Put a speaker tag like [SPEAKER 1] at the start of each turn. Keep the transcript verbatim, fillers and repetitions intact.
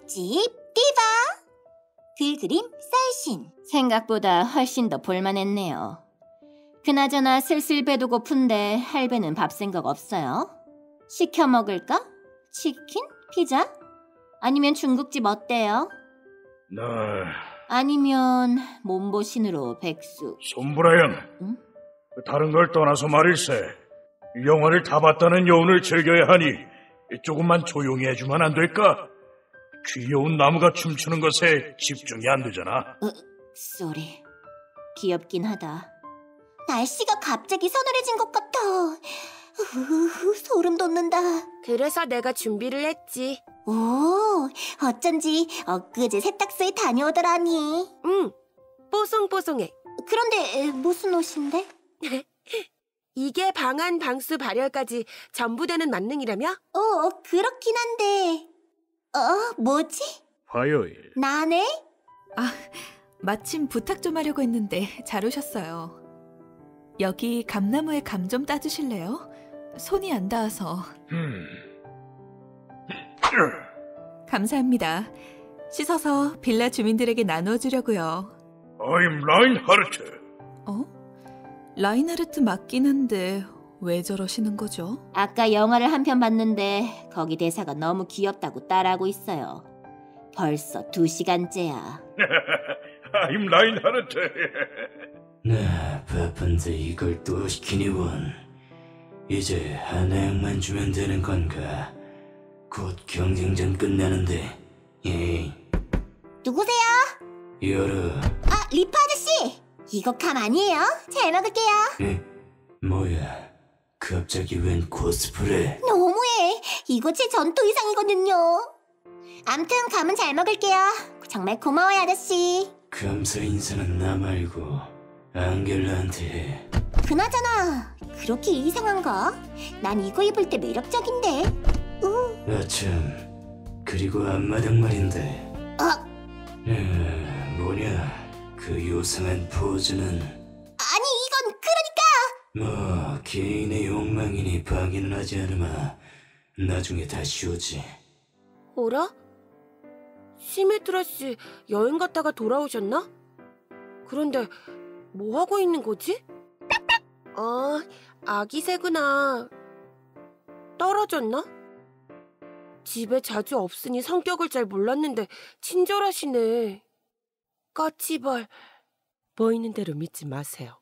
[SPEAKER 1] 맛집 디바 글그림 쌀신.
[SPEAKER 2] 생각보다 훨씬 더 볼만했네요. 그나저나 슬슬 배도 고픈데 할배는 밥 생각 없어요? 시켜 먹을까? 치킨? 피자? 아니면 중국집 어때요?
[SPEAKER 3] 네.
[SPEAKER 2] 아니면 몸보신으로 백숙.
[SPEAKER 3] 손브라양,
[SPEAKER 2] 응?
[SPEAKER 3] 다른 걸 떠나서 말일세. 영화를 다 봤다는 여운을 즐겨야 하니 조금만 조용히 해주면 안 될까? 귀여운 나무가 춤추는 것에 집중이 안 되잖아.
[SPEAKER 2] 으, 쏘리. 귀엽긴 하다.
[SPEAKER 1] 날씨가 갑자기 서늘해진 것 같아. 으흐, 소름 돋는다.
[SPEAKER 4] 그래서 내가 준비를 했지.
[SPEAKER 1] 오, 어쩐지 엊그제 세탁소에 다녀오더라니.
[SPEAKER 4] 응, 뽀송뽀송해.
[SPEAKER 1] 그런데 무슨 옷인데?
[SPEAKER 4] 이게 방한, 방수, 발열까지 전부 되는 만능이라며?
[SPEAKER 1] 어, 그렇긴 한데. 어, 뭐지?
[SPEAKER 3] 화요일.
[SPEAKER 1] 나네?
[SPEAKER 5] 아, 마침 부탁 좀 하려고 했는데 잘 오셨어요. 여기 감나무에 감 좀 따주실래요? 손이 안 닿아서.
[SPEAKER 3] 음.
[SPEAKER 5] 감사합니다. 씻어서 빌라 주민들에게 나눠주려고요.
[SPEAKER 3] I'm 라인하르트.
[SPEAKER 5] 어? 라인하르트 맞긴 한데 왜 저러시는 거죠?
[SPEAKER 2] 아까 영화를 한 편 봤는데 거기 대사가 너무 귀엽다고 따라하고 있어요. 벌써 두 시간째야.
[SPEAKER 3] I'm 라인하르트.
[SPEAKER 6] 나 바쁜데 이걸 또 시키니 원. 이제 하나씩만 주면 되는 건가? 곧 경쟁전 끝나는데. 에이.
[SPEAKER 1] 누구세요?
[SPEAKER 6] 열어.
[SPEAKER 1] 아, 리프 아저씨! 이거 감 아니에요? 잘 먹을게요.
[SPEAKER 6] 에? 뭐야? 갑자기 웬 코스프레?
[SPEAKER 1] 너무해. 이거 제 전투 의상이거든요. 암튼 감은 잘 먹을게요. 정말 고마워요, 아저씨.
[SPEAKER 6] 감사 인사는 나 말고 앙겔라한테 해.
[SPEAKER 1] 그나저나 그렇게 이상한가? 난 이거 입을 때 매력적인데. 우.
[SPEAKER 6] 아참, 그리고 앞마당 말인데.
[SPEAKER 1] 어?
[SPEAKER 6] 에, 뭐냐? 그 요상한 포즈는.
[SPEAKER 1] 아니 이건 그러니까.
[SPEAKER 6] 뭐 개인의 욕망이니 방해는 하지 않으마. 나중에 다시 오지.
[SPEAKER 4] 어라? 시메트라 씨 여행 갔다가 돌아오셨나? 그런데 뭐 하고 있는 거지? 아, 아기 새구나. 떨어졌나? 집에 자주 없으니 성격을 잘 몰랐는데 친절하시네. 까치발. 보이는 대로 믿지 마세요.